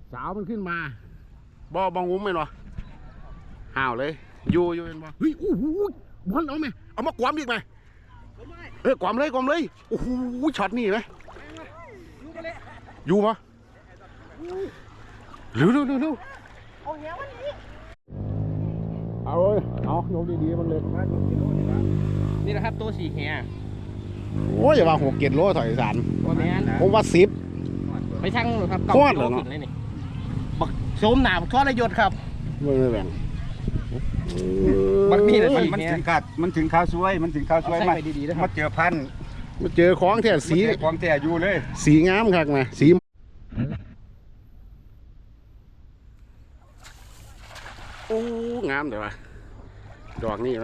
สาวมันขึ้นมาบองงุ้มไหมวะห่าวเลยอยู่เป็นบ่เฮ้ยโอ้โหบอลเอาไหมเอามากวามอีกไหมกวามเลยโอ้โหช็อตนี่ไหมอยู่ปะเร็วเอาเลยเอาโยกดีๆมันเลยนี่นะครับตัวสีแหโอ้ยอย่าว่า6-7 โลถอยสารผมว่า10 ไปช่างหรือครับโคตรเหรอเนาะบักโสมหนาบักทอดระยศครับไม่แบ่งบักนี่เลยมันถึงข้าวซวยมันมาเจอพันมาเจอของแท้สีของแท้อยู่เลยสีงามครับนะสีโอ้งามเดี๋ยววะดอกนี่ไหม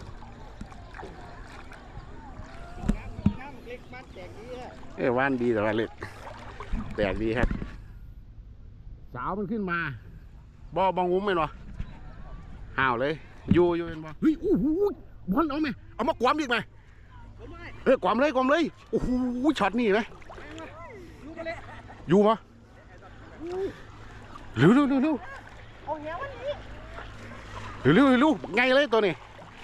ว่านดีแต่ว่าเล็กแตกดีครับสาวมันขึ้นมาบองงุ้มไหมวะห่าวเลยอยู่เป็นบ่เฮ้ยโอ้โหบอลเอาไหมเอามากวามอีกไหมกวามเลยโอ้โหช็อตนี่ไหมอยู่ปะเร็วไงเลยตัวนี้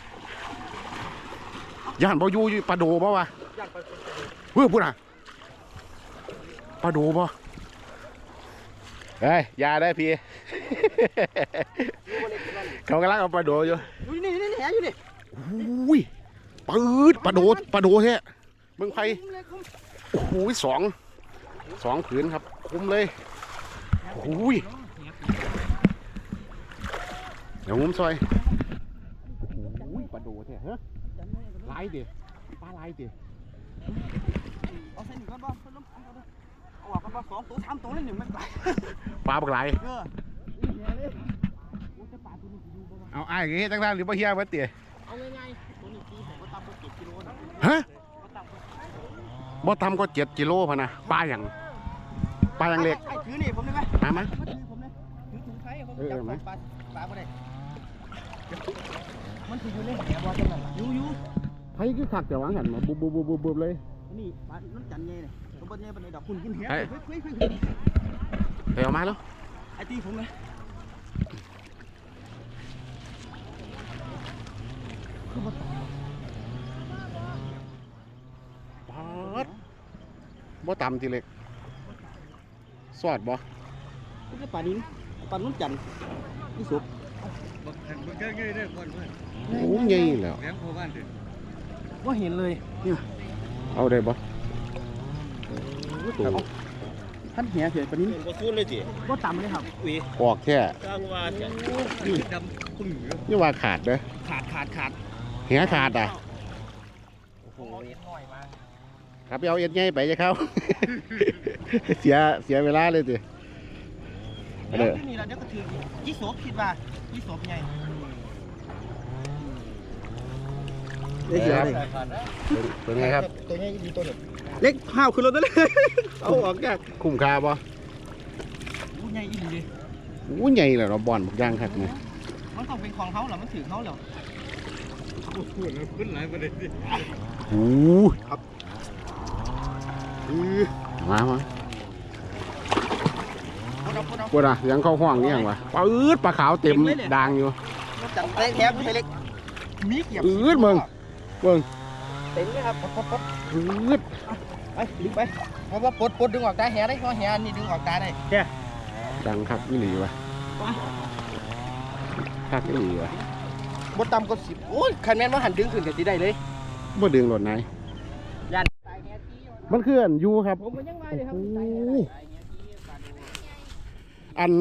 ย่านบ่อยู่ปลาโดบ่วะพูดอ่ะปลาโดบ่เฮ้ยยาได้พี่เขากำลังเอาปลาโดอยู่นี่แหอยู่นี่อุ้ยปืดปลาโดแท้เมืองไผ่โอ้โหสองผืนครับคุ้มเลยอุ้ยเดี๋ยวงุ้มซอยอุ้ยปลาโดแท้ฮะลายดิปลาลายดิเอาเส้นก้อนบ่เอาออกกันบ่2 ตัว 3 ตัวเลย1มันปลาบักลายเอาไอ้เงี้ยจังๆหรือปลาเฮียมาเตี๋ยเอาง่ายๆตัวนี้ตีผมก็ตำก็7 กิโลนะฮะบ่ตำก็7 กิโลพะนะปลาอย่างเล็กถือนี่ผมได้ไหมมาถือผมเลยถือถุงไข่ผมจับปลาบ่ได้มันถืออยู่ในแหบ่จังนั้นอยู่ไผ่คือขักแต่วางหันมาบุบเลยนี่ปลาน้ำจันไงเนี่ยตัวบนไงบนไอ้ดอกคุณกินแหเดี๋ยวมาแล้วไอ้ตีผมเลยบ่ตำทีเล็กสอดบ่นี่ปลานิ้นปลาน้ำจันนี่สุกมันก็ง่ายได้คนโอ้ยง่ายแล้วว่าเห็นเลยเอาได้บ่ท่านเหี้ยเสียปลานิ้นก็สู้เลยจีก็ต่ำเลยครับออกแค่กลางว่าจะดำคุณนี่ว่าขาดเด้อขาดเหี้ยขาดอ่ะโอ้โหน้อยมากครับไปเอาเอ็ดไงไปจะเข้าเสียเวลาเลยสิเดี๋ยวนี่เราเดี๋ยวก็ถือยี่โสคิดว่ายี่โสเป็นไงเป็นไงครับตัวนี้ดีตัวเด็กเล็กห้าวขึ้นรถได้เลยเอาออกยากคุ้มค่าป่ะใหญ่อีกเลยใหญ่เลยเราบอลบักย่างครับเนี่ยมันต้องเป็นของเขาเหรอมันถือเขาเหรอขึ้นไหนประเด็นดิโอ้ครับมาปวดอ่ะยังเข้าห้องนี่ยังวะปลาขาวเต็มด่างอยู่จับเล็กแทบไม่เล็กมีเกียบมึงเต็มเลยครับปดไปดึงไปเพราะว่าปดดึงออกตาแหได้เพราะแหนี่ดึงออกตาได้แค่ดังคักนี่หลีวะคักนี่หลีวะบดต่ำก็10โอ้ยคันแม่นว่าหันดึงขึ้นกับสีได้เลยบ่ดึงหลดไหนยันมันคืออันยูครับผมก็ยังไงเลยครับอัน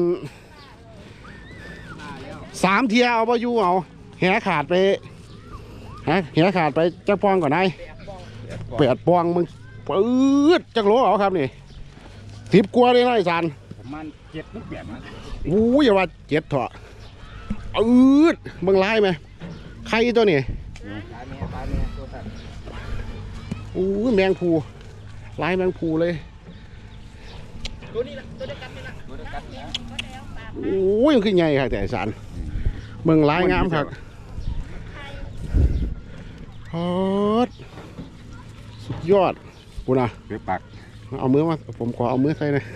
3 เทียเอาไปยูเอาแหขาดไปแหขาดไปจักปองก่อนนาย8 ปองมึงปื๊ดจักโลเอาครับนี่10 กว่าเลยนะไอ้สันประมาณ7 ลูกแบบนั้นอย่าว่า7เถอะมึงไล่ไหมใครตัวนี้แมงภูไล่แมงภูเลยตัวนี้ละตัวเดียวกันนี่ละยังขึ้นใหญ่ค่ะแต่สันมึงไล่งามครับฮอตสุดยอดกูนะเปลือกปากเอามือมาผมขอเอามือใส่หน่อย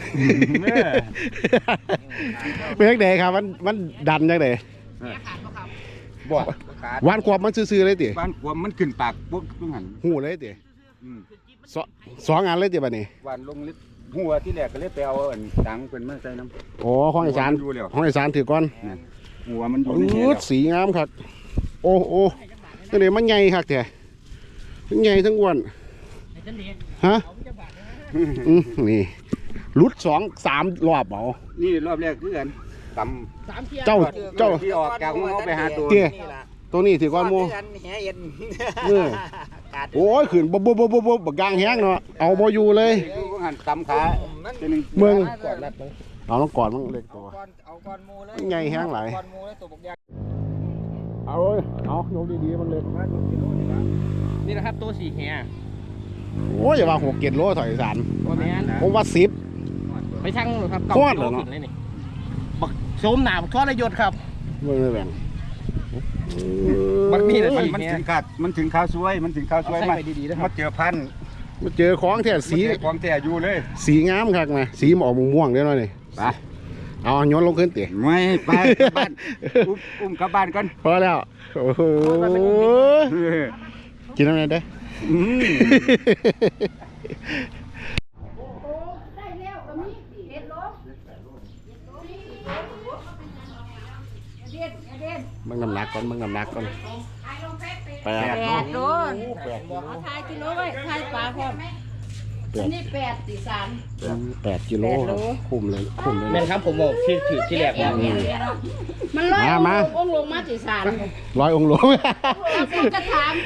เป็นยังไงครับมันดันยังไงบ่วานควบมันซื่อๆเลยติบ้านขวมมันขึ้นปากปุ๊บต้องหันหูเลยติอืมสองอันเลยติบัดนี้หวานลงลึกหัวที่แรกก็เลยไปเอาอันตังเป็นมาใส่น้ำโอ้ห้องอีสานดูแล้วห้องอีสานถือก้อนหัวมันอยู่อืในนี้ดสีงามครับโอ้โอ้นี่เลยมันใหญ่ครับแท้ทั้งใหญ่ทั้งอ้วนฮะนี่ลุด2-3 รอบเอานี่รอบแรกคือกันตเจ้าำที่ออกจากหัวไปหาตัวเตี้ยตัวนี้ถือก้อนหมูแหเอ็นเออโอ้ยขึ้นบบบักกลางแห้งเนาะเอาบ่อยู่เลยดูหันตำขาตัวนึงเมืองกอดรัดมึงเอาต้องกอดมันเล็กตัวเอาก้อนมูเลยใหญ่แห้งหลายก้อนมูเลยตัวบกยางเอาเลยเอายกดีๆมันเล็กนี่นะครับตัวสีแหโอ้ยอย่าว่า6-7 โลถอยอีสานตัวนี้ผมว่าไปทั้งครับโคตรเหรอเนาะบักโสมหนาบักทอดระยศครับ 10มือแบ่งมันมีแต่มันถึงขาดมันถึงข้าวสวยมันถึงข้าวสวยมามาเจอพันมาเจอของแท้สีของแต่อยู่เลยสีงามคักนะสีมันออกม่วงๆเด้อหน่อยนี่ไปเอาย้อนลงขึ้นติไม่ไปกลับบ้านอุ้มกลับบ้านก่อนพอแล้วโอ้โหกินอะไรได้ได้แล้วก็มีเห็ดลบเด็ดมึงน้ำหนักก่อนมึงน้ำหนักก่อนแปด 8 โลเอาทายกิโลไว้ทายปลาพร้อมอันนี้8 4 3 8 กิโลครับคุ้มเลยคุ้มเลยแม่นครับผมบอกที่ถือที่แรกว่ามันร้อยมาองค์ลงมา4 3 100 องค์หลวงแล้วผมก็ถาม